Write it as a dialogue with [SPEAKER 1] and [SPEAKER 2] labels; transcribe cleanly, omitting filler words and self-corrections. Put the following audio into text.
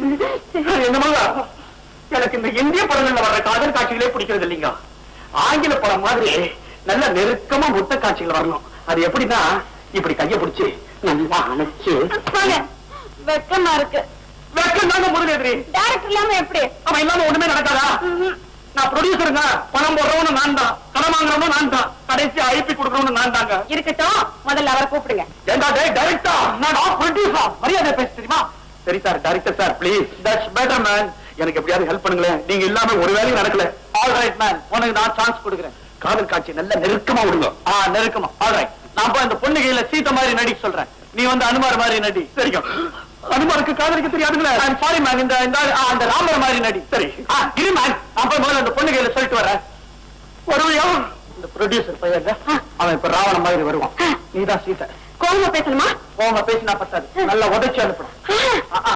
[SPEAKER 1] என்னமா எனக்கு இந்த இந்திய படங்கள்ல வர்ற காதல் காட்சிகளே பிடிக்கிறது இல்லைங்க. ஆங்கில படம் மாதிரி நல்ல நெருக்கமா முட்டை காட்சிகள் வரணும். அது எப்படின்னா இப்படி கைய பிடிச்சு நல்லா அணைச்சு.
[SPEAKER 2] வெக்கமா இருக்கு.
[SPEAKER 1] வெக்கம் தாங்க முதலெதிரி.
[SPEAKER 2] டைரக்டர் இல்லாம எப்படி?
[SPEAKER 1] அவன் இல்லாம ஒண்ணுமே நடக்காதா? நான் ப்ரொடியூசருங்க. பணம் போடுறவனு நான் தான், பணம் வாங்குறவனும் நான் தான், கடைசி ஐபி கொடுக்கறவனு நான் தாங்க.
[SPEAKER 2] இருக்கட்டும், முதல்ல அவரை கூப்பிடுங்க.
[SPEAKER 1] ஏண்டா டைரக்டா? நான் ப்ரொடியூசர். மரியாதை பேச தெரியுமா? சரி sir, director sir please. That's better man. எனக்கு எப்படியாவது ஹெல்ப் பண்ணுங்களேன். நீங்க இல்லாம ஒரு வேலையும் நடக்கல. ஆல் ரைட் மேன், உனக்கு நான் சான்ஸ் கொடுக்குறேன். காதல் காட்சி நல்ல நெருக்கமா விடுங்க. நெருக்கமா. All right. நான் போய் அந்த பொண்ணு கையில சீத்த மாதிரி நடிக்க சொல்றேன். நீ வந்து அனுமார் மாதிரி நடி. சரிங்க. அனுமாருக்கு காதலிக்க தெரியாதுங்களே. ஐ அம் சாரி மேன். அந்த ராமர் மாதிரி நடி. சரி இரு மேன், நான் போய் முதல்ல அந்த பொண்ணு கையில சொல்லிட்டு வரேன். வருவியா? இந்த ப்ரொடியூசர் பையன் அவன் இப்ப ராவண மாதிரி வருவான். நீதான் சீதை.
[SPEAKER 2] கோவமா பேசணுமா?
[SPEAKER 1] கோவமா பேசினா பத்தாது, நல்லா உதைச்சு அனுப்பணும்.